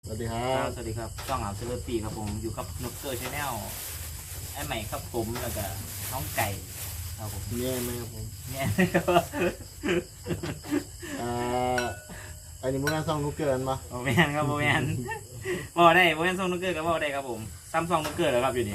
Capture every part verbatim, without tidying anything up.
วัสดีครับสวัสดีครับช่องอาร์มเซเลปีครับผมอยู่กับนกเกอร์ชาแนลไอ้ใหม่ครับผมแล้วก็น้องไก่ครับผมแม่ไหมครับผมเนี่ยอ่าอันนี้มึงงานซ่องนุกเกินปะโมแมนครับโมแมนบอกได้โมแมนส่งนกเกอร์ก็บอกได้ครับผมซัมซุงนกเกอร์แล้วครับอยู่นี่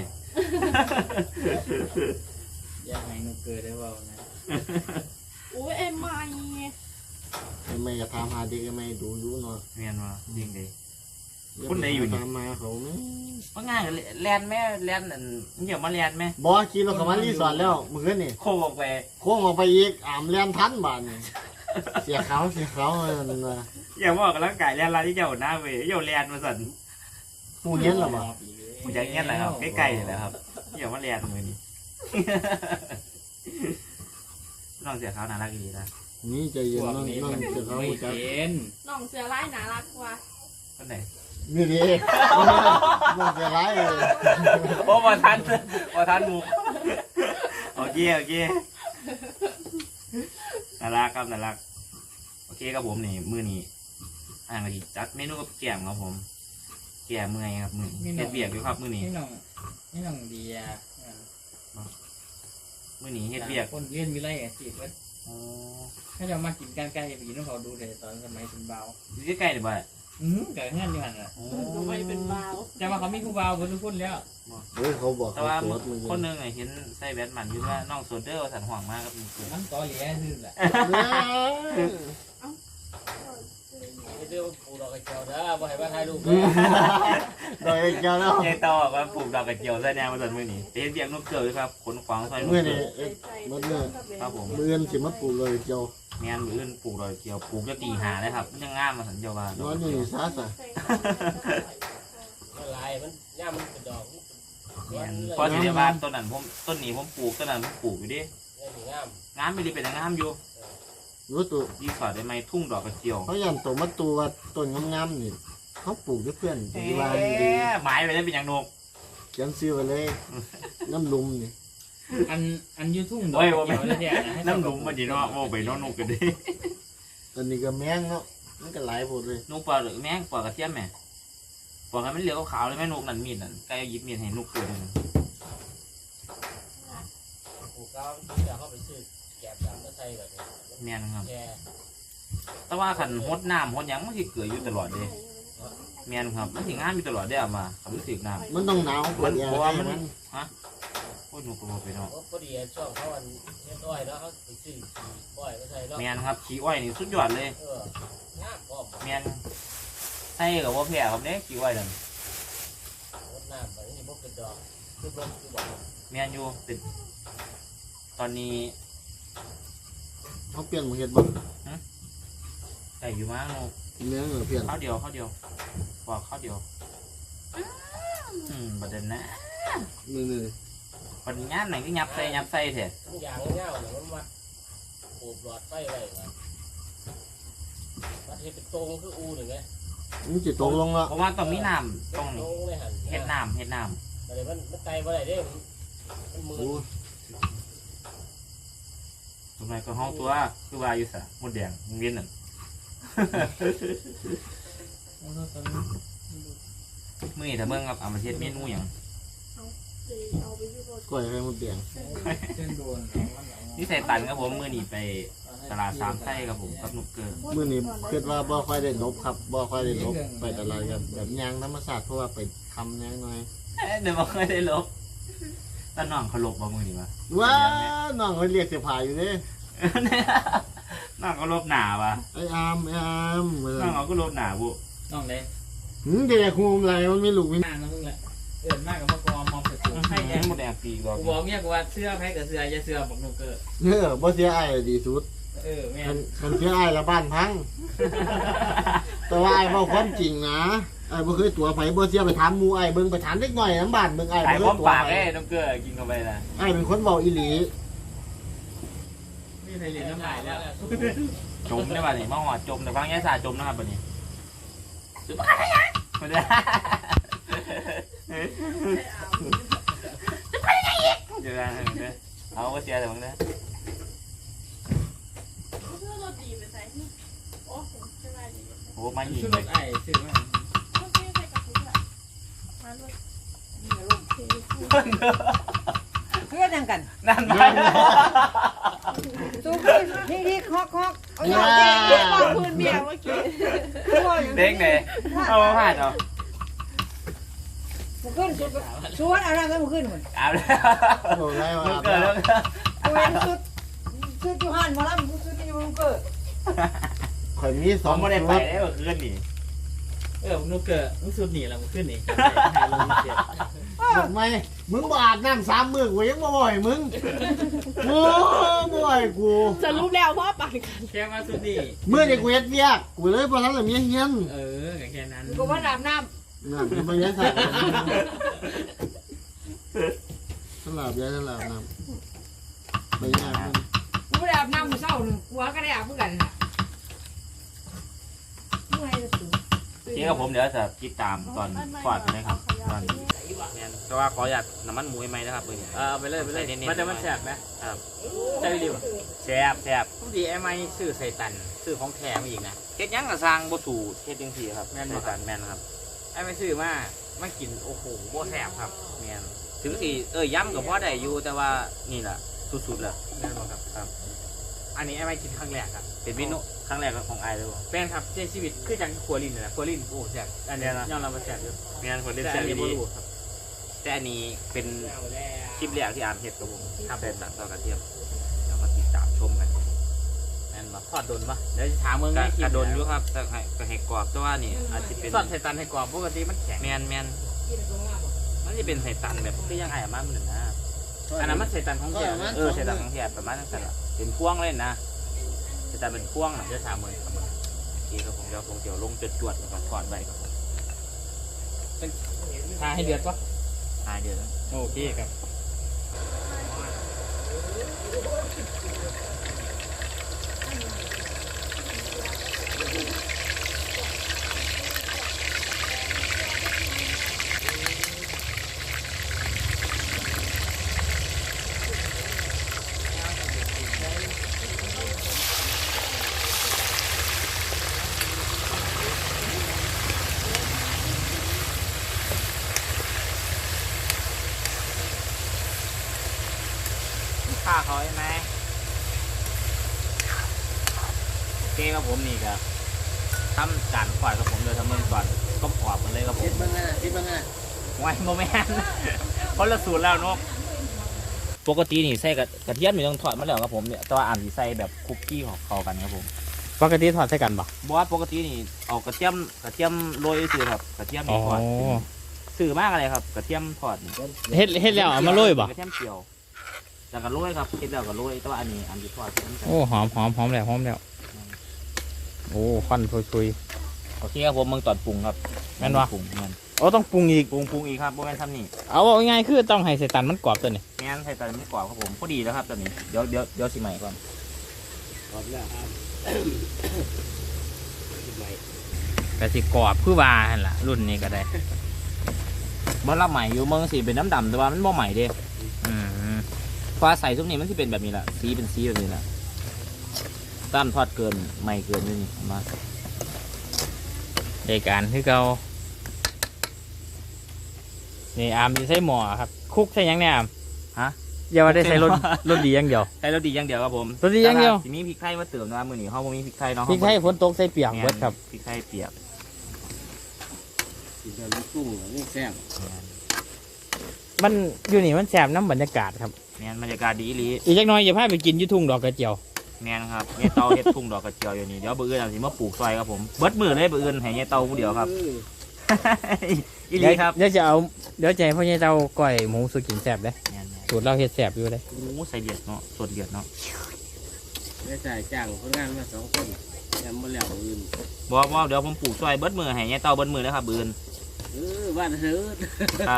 อยากให้นกเกอร์ได้เปล่านะโอ้ยเอ็มไม่เอ็มไม่จะถามหาเด็กเอ็มไม่ดูยุ่เนาะเมียนว่าจริงดิคุณไหนอยู่นี่ถามมาเขาไหมว่าง่ายแลนแม่แลนอันเดี๋ยวมาแลนไหมบอสขี่รถเขามารีสอร์ทแล้วมือนี่โค้งออกไปโค้งออกไปอีกอ่ามเลียนทันบ้านเสียเขาเสียเขาเลยนะอย่าบอกกันแล้วไก่แลนร้านที่เจ้าหน้าเว้ยเจ้าแลนมาสั่นหูเงี้ยหรอบ่หูยังเงี้ยแหละครับใกล้ๆเลยแหละครับอย่ามาแลนมือนี้น้องเสียเขาน่ารักดีนะนี่ใจเย็นน้องน้องเสียเขาจะน้องเสือไล่น่ารักกว่าคนไหนนี่ดิน้องเสียร้ายเลยโอ้มาทันมาทันหมูโอเคโอเคน่ารักครับน่ารักโอเคครับผมนี่มือนี้อ่างกะทิจัดเมนูกับแกมครับผมแกมเมื่อยครับมือเฮ็ดเบียกอยู่ครับมือนี้นี่น้องนี่น้องดีอ่ะมือนี้เฮ็ดเบียกคนเล่นวิไลอ่ะจีบเว้ยถ้าจะมากินกันใกล้ไปกินต้องเขาดูเลยตอนสมัยเป็นเบาใกล้ๆเลยบ่อืมเกิดงานอยู่หันอ่ะทำไมเป็นเบาจะมาเขาไม่คู่เบาคนทุกคนแล้วเฮ้ยเขาบอกแต่ว่าคนนึงเห็นใส่แบทมันอยู่ว่าน้องโซเดอร์สันห่วงมากครับน้ำต่อเหลี่ยซื่อแหละเดี๋ยวปูดอกกระเจียวนะบ่ให้มาถ่ายรูปดอกกระเจียวแล้วยายต่อว่าปลูกดอกกระเจียวใส่แนวมาสันมือนี้เฮ็ดเบียกนกเกลือครับขนขวางใส่มือนี่มัดเลยครับผมมือนี่สิมัดปลูกดอกกระเจียวแม่นมืออื่นปลูกดอกกระเจียวปลูกจะตีหาเลยครับมันจะง่ามมาสันเจียวว่าน้อยนี่ซาสะลายมันย่ามันเป็นดอกพอสิเดียวบ้านต้นนั้นผมต้นนี้ผมปลูกต้นนั้นผมปลูกอยู่ดิงามไม่ดีเป็นงามอยู่รู้ตัวดีสอดได้ไหมทุ่งดอกกระเจียวเขายันตัวมัดตัวต้นงามๆนี่เขาปลูกด้วยเพื่อนดีว่าดีหมายไปได้เป็นอย่างนกเขียนซื้อไปเลยน้ำลุมนี่อันอันยูทุ่งดอกเจียวเนี่ยน้ำลุมมันดีเนาะโม่ไปน้องนกกันดิอันนี้ก็แมงเนาะมันก็หลายหมดเลยนกปลาหรือแมงปลากระเทียมแม่ปลามันเหลืองขาวเลยแม่นกนั่นมีดนั่นใกล้ยิบมีดให้นกตัวนึงปลูกแล้วที่จะเข้าไปซื้อแกะแบบไม่ใช่แบบแม่นครับแต่ว่าขันหดน้ำหดยังมันที่เกิดอยู่ตลอดเลยแม่นครับมันถึงงานมีตลอดได้อะมาขับรู้สึกน้ำมันต้องหนาวมันเพราะว่ามันฮะโอ้ยนกกระโดดไปเนาะพอดีช่วงเขาอันเลี้ยงอ้อยแล้วเขาไปซื้ออ้อยไม่ใช่แล้วแม่นครับขี้อ้อยนี่สุดยอดเลยแม่นใช่กับว่าแผ่ครับเนี่ยขี้อ้อยนั่นน้ำแบบนี้พวกกระดองคือพวกคือบอกแม่นอยู่เป็นตอนนี้เขาเปลี่ยนมาเห็ดบ้างใส่อยู่มั้งนกเนื้อเหรอเปลี่ยนข้าวเดียวข้าวเดียวบอกข้าวเดียวอืมประเด็นนะนี่นี่ปัญญาไหนก็ยับใส่ยับใส่เถอะอย่างเงี้ยเนี่ยมันมาปลูกหลอดไฟอะไรมาประเทศเป็นตรงคืออูหนึ่งไงนี่จิตตรงลงแล้วเพราะว่าต้องมีน้ำต้องเห็ดน้ำเห็ดน้ำอะไรมันมันไกลไปไหนได้มันมือทำไมก็ห้องตัวคือว่าอยู่สะหมดแดงมึงเวียนหนึ่งมือแต่เมื่อกับอามาเทียเมนูอย่างก้อยไข่หมดแดงนี่ใส่ตันครับผมมือหนีไปตลาดสามไส้ครับผมกับหนุกเกินมือนี้คิดว่าบ่ค่อยได้ลบครับบ่ค่อยได้ลบไปตลาดกันแบบยางธรรมศาสตร์เพราะว่าไปทำยางหน่อยเดี๋ยวบ่ค่อยได้ลบตอนน้องเขาลบบ่มือนี่วะว้าน้องเขาเรียกเสียผายอยู่ดิน้องเขาลบหนาปะไอ้อามไอ้อามน้องเขาก็ลบหนาบุน้องเลยหืมเด็กคุมอะไรมันไม่หลุกไม่นานนะมึงแหละเกิดมากกับพ่อกอมอมเสร็จให้แหมดแดงปีกบอกบอกเนี่ยว่าเสื้อแพ้กับเสื้อจะเสื้อบอกนูเกิดเออบ่เสียไอ้ดีสุดเออแม่คันเสียไอ้ละบ้านพังแต่ว่าไอ้บอกความจริงนะไอ้บ่เคยตัวไผบ่เสียไปถามหมู่ไอ้เบิ่งไปถามเล็กน้อยน้ำบ้านเบิ่งไอ้บ่เคยตัวปากไอ้น้ำเกลือกินเข้าไปนะไอ้เป็นคนเว้าอีหลีนี่ไทยเรียนน้ำลายแล้วจมได้ป่ะนี่มาหอดจมแต่ฟังแย่สาจมนะครับป่ะนี่สุดปากยังมาเลยจะไปยังไงอีกเดี๋ยวนะเดี๋ยวเอาก็เสียแต่บางเด้อโอ้มาหยิบไอ้ซื้อมาเพื่อนยังกันนั่นไปสู้ขึ้นนี่นี่คอกคอกเอาอย่างเด็เด็กกบอกพื้นเบียร์เมื่อกี้เด็กเนี่ยเอามาผ่านเอามึงขึ้นสุดชวนอะไรกันมึงขึ้นหมดเอาแล้วโอ้ไรวะมันเกิดแล้วกูเห็นสุดสุดยูฮันมาแล้วมึงสุดยูมึงเกิดข่อยมีสสออง งไม่ได้ไปได้ก็คืนนี่เออมึงนุกเกอร์มึงสุดหนีแล้วมึงขึ้นหนีจำได้หายลงเจ็บบอกไหมมึงบอาบน้ำสามมือกูยังบ่บ่อยมึงโอ้บ่อยกูจะรู้แล้วพ่อปั่นกันแค่มาสุดหนีเมื่อเด็กเวทเวียกกูเลยพอทั้งแต่เมียเฮียนเออแค่นั้นกูว่าอาบน้น่ะมันไปยันใส่สลับยันสลับน้ำไปยากมันำกูไม่ได้อาบน้ำมึงเศร้าหนึ่งกูก็ได้อาบเหมือนกันมึงไงจะสูงที่กับผมเดี๋ยวจะติดตามตอนฟอดนะครับตอนแต่ว่าขออยากน้ำมันหมูไหมนะครับเพื่อนเออไปเลยไปเลยมันจะมันแสบไหมครับใช่ดิวแซ่บแซ่บทุกทีไอ้ไม้ซื้อใส่ตันซื้อของแถมอีกนะเฮ็ดยังกับสร้างบ่ถูเฮ็ดจังซี่ครับแม่นบ่ในการแม่นครับไอ้ไม่ซื้อมามากินโอ้โหบ่แสบครับแม่นถึงสิเอ้ยย้ำกับพ่อได้อยู่แต่ว่านี่แหละสุดๆแหละแม่นบ่ครับครับอันนี้ไอ้ไม่กินครั้งแรกครับเป็นเมนูครั้งแรกของไอ้เลยบ่แฟนครับในชีวิตคือจังครัวลินนะครัวลินโอ้แสบอันนี้ยอมรับว่าแสบอยู่แม่นคนเล่นแต่แซ่อับนนี้บ่ดีรู้ครับแต่อันนี้เป็นคลิปแรกที่อ่านเฮ็ดกับผมครับแต่ตัดต่อกระเทียมเดี๋ยวมาติดตามชมกันแม่นบ่ทอดโดนปะเดี๋ยวจะถามมึงกระในคลิกประโดนอยู่ครับแต่ให้ก็ให้กรอบแต่ว่านี่อาจจะเป็นทอดใส่ตันให้กรอบปกติมันแข็งแม่นแม่นมันจะเป็นไส้ตันแบบคือยังไงอะมาเหมือนนะอันนั้นมันใส่ตันของแข็งเออไส้ตันของแท้ประมาณนั้นสั่นล่ะเป็นพวงเลยนะไส้ตันเป็นพวงน่ะเดี๋ยวถามมึงครับมึงโอเคครับผมเดี๋ยวผมเดี๋ยวลงจวดๆแล้วก็ทอดไว้ครับผมทาให้เดือดปะหายเดี๋ยวนะโอเคครับฆ่าเขาใช่ไหมโอเคครับผมนี่ครับทำการขวาดกับผมโดยทำเมืองก่อนก็ขวาดมันเลยครับผมคิดบ้างไงคิดบ้างไงไว้โมแมนคนละสูตรแล้วนกปกตินี่ใส่กระกระเทียมมีต้องทอดมาแล้วครับผมเนี่ยแต่ว่าอ่านสีใส่แบบคุกกี้ของเขากันครับผมปกติทอดใส่กันปะบอกว่าปกตินี่เอากระเทียมกระเทียมโรยซื้อครับกระเทียมนี่ทอดซื้อมากอะไรครับกระเทียมทอดนี่เฮ็ดเฮ็ดแล้วเอามาโรยปะกระเทียมเจียวแล้วก็โรยครับคิดแล้วก็โรยแต่ว่าอันนี้อันที่ทอดมันจะโอ้หอมหอมหอมแล้วหอมแล้วโอ้ควันชุยโอเคครับผมมึงตอดปรุงครับแม่นวะปรุงแม่นๆโอ้ต้องปรุงอีกปรุงปรุงอีกครับโมแมนทำนี่เอาเอาง่ายๆคือต้องให้ใส่ตันมันกรอบตัวนี้แม่นใส่ตอนไม่กรอบครับผมพอดีแล้วครับตอนนี้เดี๋ยวเดี๋ยวเดี๋ยวสิใหม่ก่อนแต่สิกรอบคือว่าหั่นล่ะรุ่นนี้ก็ได้เมื่อเราใหม่อยู่เมืองสีเป็นน้ำดำแต่ว่ามันบ่ใหม่เด้อืมเพราะใส่ซุปนี้มันที่เป็นแบบนี้แหละสีเป็นสีแบบนี้แหละต้านทอดเกินใหม่เกินนี่มาในการคือเก่านี่อามจะใช้หม้อครับคุกใส่หยังเนี่ยอามฮะอย่าว่าได้ใส่รสรสดีอย่างเดียวใส่รสดีอย่างเดียวครับผมรสดีอย่างเดียวทีนี้พริกไทยมาเติมนะมือนี้เขาบ่มีพริกไทยเนาะพริกไทยฝนตกใส่เปียกเบิดครับพริกไทยเปียกมันอยู่นี่มันแสบน้ำบรรยากาศครับแมนบรรยากาศดีอีหลีอีกจักหน้อยอย่าพาไปกินอยุทุ่งดอกกระเจียวแมนครับเนยเตาเฮ็ดทุ่งดอกกระเจียวอยู่นี่เดี๋ยวเบอร์อื่นเอาสิมาปลูกซอยครับผมเบิดมือเลยเบอร์อื่นให้เนยเตาผู้เดียวครับ อีหลีครับเดี๋ยวจะเอาเดี๋ยวจะให้พ่อใหญ่เจ้าก้อยหมูสุกินแสบเลยแม่นๆสูตรเราเฮ็ดแสบอยู่เลยโอ้ใส่เดือดเนาะสดเดือดเนาะได้จ่ายจ้างคนงานมาสองคนยังบ่แล้วอื่นบอกว่าเดี๋ยวผมปลูกซอยเบิดมือให้เนยเตาเบิดมือแล้วครับเบอร์อื่นเออบ้านเฮือครับ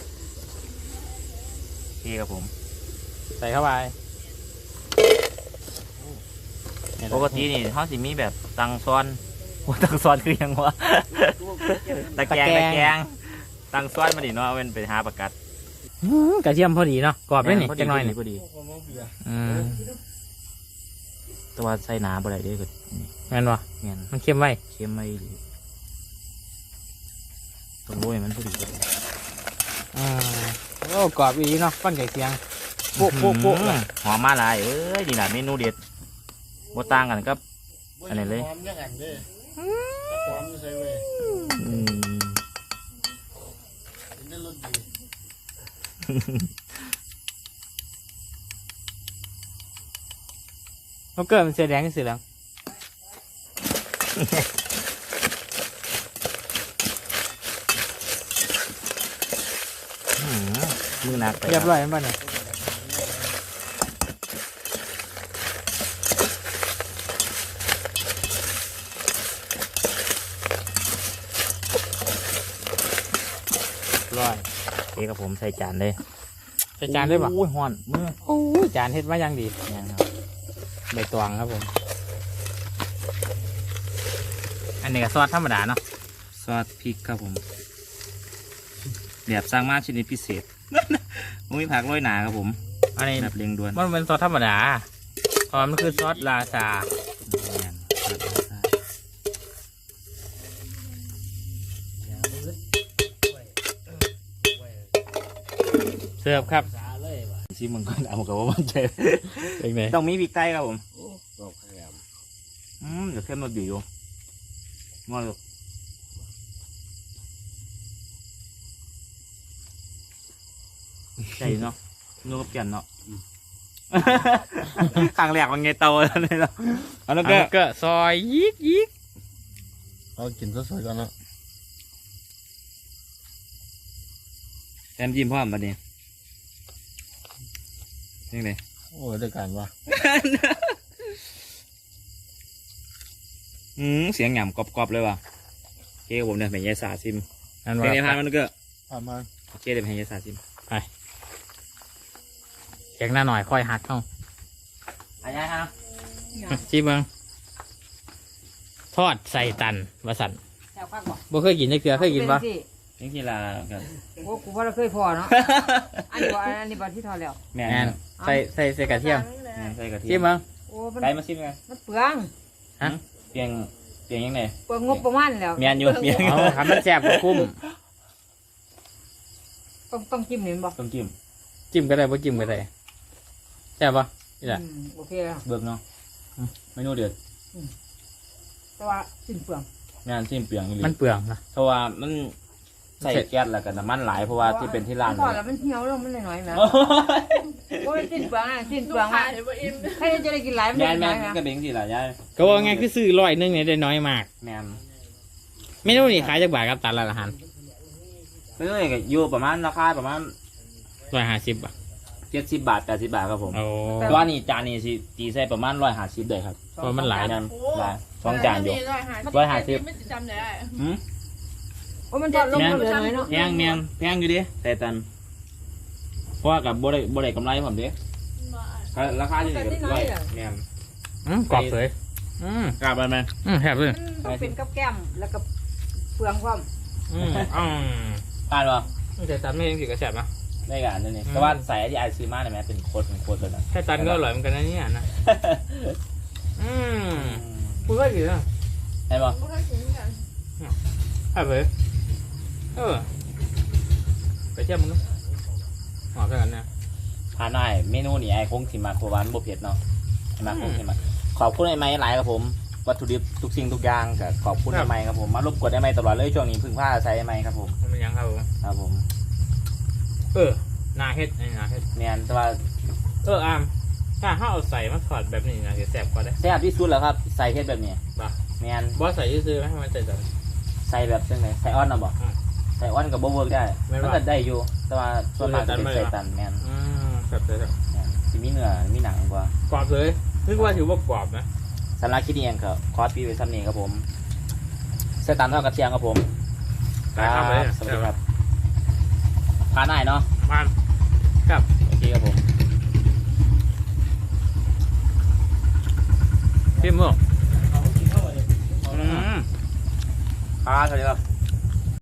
โอเคครับผมใส่เข้าไปปกตินี่เขาสิมีแบบตังซ้อน โอ้ตังซ้อนคือหยังวะ ตะแกรงตะแกรงตังซ้อนมาดิเนาะเป็นไปหาประกัดอื้อกระเทียมพอดีเนาะกรอบเลยนี่พอดีจังหน่อยนี่พอดีอืมแต่ว่าใส่น้ำบ่ได้เด้อก็นี่แม่นวะเงี้ยมันเค็มไว้เค็มไม่ดีต้องโรยมันพอดีอ่าอ้กรอบอีเนาะฟันไก่เคียงโป๊ะโป๊ะโป๊ะเลยหอมมาหลายเอ้ยนี่แหละเมนูเด็ดบ่ต่างกันครับ อันไหนเลยหอมยังไงเด้หอมใส่เว้ยอืมเป็นได้รสดีเขาเกิดมันเสียแดงก็เสียแดงอืมมือหนักไปเรียบร้อยมันบ้านเนี่ยร้อยโอเคครับผมใส่จานเลยใส่จานได้ปะโอ้ยฮ้อนมือโอ้ยจานเฮ็ดมายังดีเนี่ยครับใบตองครับผมอันนี้ก็ซอสธรรมดาเนาะซอสพริกครับผมแบบสร้างมาชนิดพิเศษ มุ้ยผักโรยหนาครับผมอันนี้แบบเรียงด่วนมันเป็นซอสธรรมดาเพราะมันคือซอสลาซาเสิร์ฟครับชิมมันก็เอากับว่ามันเจ็บเป็นไงต้องมีพริกไทยครับผมกรอบแคมอืมเดี๋ยวเข้มมาบีอยู่มาเลยใช่เนาะนูก็เปลี่ยนเนาะครั้งแรกมันไงโตเลยเนาะอันนั้นแล้ก็วก็ซอยยิกยิกเอากินสดๆก่อนเนาะแอมจิ้มพร้อมบัดนี้ยังไงโอ้ยได้การวะอืมเสียงหย่ำกรอบๆเลยว่ะโอเคผมเนี่ยเป็นยายสาซิมนั่นเป็นไงพานว่ามันก็ประมาณโอเคเดี๋ยวเป็นยายสาซิมแกงหน้าหน่อยค่อยหักเข้าอายายครับจีเบิงทอดใส่ตันวาสันแถวข้างบ่บ่เคยกินจักเกลือเคยกินปะสินี่กีฬากันโอ้กูว่าเราเคยพอเนาะอันนี้บ่อันนี้บ่ที่ทอดแล้วแม่แอนนใส่ใส่ใส่กระเทียมแม่นใส่กระเทีจียมเบิงโอ้มันไก่มาซิมไงมันเปลืองเปลียงเปลียงยังไงเปลืองงบประมาณแล้วเมียนอยู่เมียนเอาทำมันแซ่บกว่าคุ้มต้องต้องจิ้มนี่บ่ต้องจิ้มจิ้มก็ได้บ่จิ้มก็ได้แซ่บปะนี่แหละอืมโอเคแล้วเบิกเนาะเมนูเดือดแต่ว่าสิ้นเปลืองงานจิ้มเปลียงอยู่มันเปลืองนะเพราะว่ามันใส่แก๊สแล้วกันน้ำมันหลายเพราะว่าที่เป็นที่ร้านทอดแล้วมันเหี่ยวลงมันน้อยๆแหมโอ้ยสิ้นเปลืองอ่ะสิ้นเปลืองขาอ่ะยเลยว่าอิ่มใครจะได้กินหลายมันยายแม่น้นอยๆแหมก็เป็นสิล่ะยายก็ว่าไงคือซื้อร้อยหนึงเนี่ยได้น้อยมากแม่นเมนูนี่ขายจากบาทครับตันละละหันเอ้ยก็อยู่ประมาณราคาประมาณร้อยห้าสิบอ่ะเจ็ดสิบบาทแปดสิบบาทครับผมโอ้แต่ว่านี่จานนี้สิตีใส่ประมาณร้อยห้าสิบเลยครับเพราะมันหลายนั่นหลายสองจานอยู่ร้อยห้าร้อยห้าสิบไม่จำได้หืมโอ้ยมันทอดลงมันเหลือน้อยเนาะแพงแมนแพงอยู่ดิแต่ตันเพราะว่ากับบ่ได้บ่ได้กำไรผมดิราคาที่นี่ก็ร้อยแมนอืมกรอบเลยอืมกลับไปไหมอืมแซ่บเลยมันต้องเป็นกับแก้มแล้วก็เปลืองความอืมอืมทานป่ะแต่ตันไม่ยังสิกระแซ่บนะได้กันนี่นี่อืมแต่ว่าใส่ที่ไอซื้อมาเนี่ยแม่เป็นโคตรเป็นโคตรเลยนะแต่ตันก็อร่อยเหมือนกันนะเนี่ยนะอืมคุณว่ากี่อ่ะใช่ป่ะพวกท่านกินกันแซ่บเลยเออไปเทียบมึงดูหอมกันนะทานได้เมนูนี่ไอคงสิมาโควานบ่เผ็ดเนาะไอมาคงสิมาขอบคุณไอไม้หลายครับผมวัตถุดิบทุกสิ่งทุกอย่างกับขอบคุณไอไม้ครับผมมารบกวนไอไม้ตลอดเลยช่วงนี้พึ่งผ้าใช้ไอไม้ครับผมมันเป็นยังครับผมครับผมเออนาเฮ็ดไอ้นาเฮ็ดแมนแต่ว่าเอออามถ้าเขาเอาใส่มาถอดแบบนี้นะจะแซ่บกว่าได้แซ่บที่สุดแล้วครับใส่เฮ็ดแบบนี้ป่ะแมนบอสใส่ซื้อไหมให้มันใส่แบบใส่แบบจังไงใส่อ้อนนะบ่อืมใส่อ้อนกับบ่เวิร์กได้ไม่มันว่าก็ได้อยู่ แต่ว่าส่วนมากจะเป็นใส่ใส่ตัตันนไม่แมว่านอืมแซ่บเลยครับแม่นสิมีเนื้อมีหนังกว่ากรอบเลยนึกว่าถือว่ากรอบนะสำหรับคิดเองครับคอสปีไว้ซ้ำนี้ครับผมใส่ตันเท่ากับเทียงครับผมได้ครับเลยสวัสดีครับทานได้เนาะมันครับโอเคครับผมเพิ่มมั้งอืมครับสวัสดีครับ